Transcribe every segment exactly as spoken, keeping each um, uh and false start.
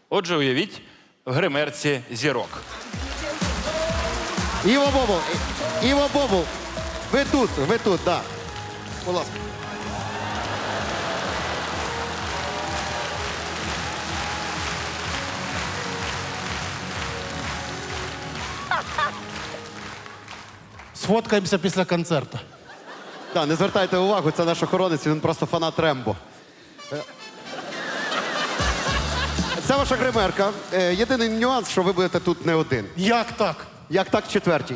Отже, уявіть, в гримерці зірок. Іво Бобул, І- Іво Бобул. Ви тут, ви тут, так. Да. Будь ласка. Сфоткаємося після концерту. Да, не звертайте увагу, це наш охоронець, він просто фанат Рембо. Е, Це ваша гримерка. Е, Єдиний нюанс, що ви будете тут не один. Як так? Як так, четвертій.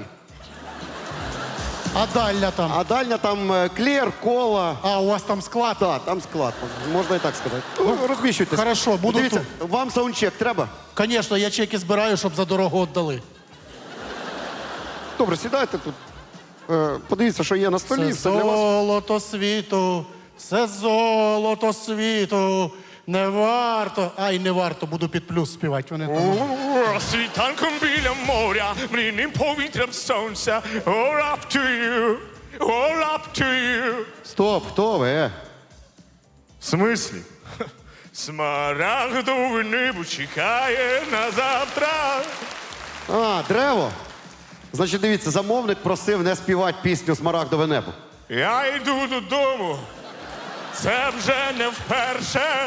А дальня там? А дальня там е, клеєр, кола. А, у вас там склад? Так, там склад. Можна і так сказати. Ну, розміщуйтесь. хорошо, буду Дивіться, вам саундчек треба? Звісно, я чеки збираю, щоб за дорогу віддали. Добре, сідайте тут. Е, Подивіться, що є на столі. Все Все для вас. золото світу, все золото світу, не варто. Ай, не варто, буду під плюс співати. Вони там. Світанком біля моря, мрійним повітрям сонця. All up to you, all up to you. Стоп, хто ви? Е? В смислі? Смарагдове небо чекає на завтра. А, дерево. Значить, дивіться, замовник просив не співати пісню «Смарагдове небо». Я йду додому. Це вже не вперше.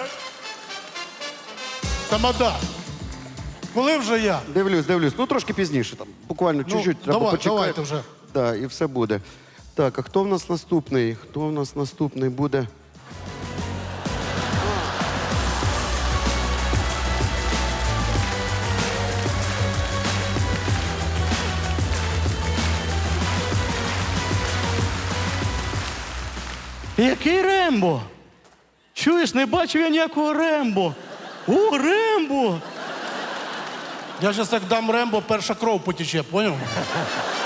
Тамада. Коли вже я? Дивлюсь, дивлюсь. Ну, трошки пізніше там. Буквально Ну, чуть-чуть. Треба давай, почекати. давайте вже. Так, і все буде. Так, а хто в нас наступний? Хто в нас наступний буде? Який Рембо? Чуєш, не бачив я ніякого Рембо. О, Рембо! Я зараз як дам Рембо, перша кров потече, поняв?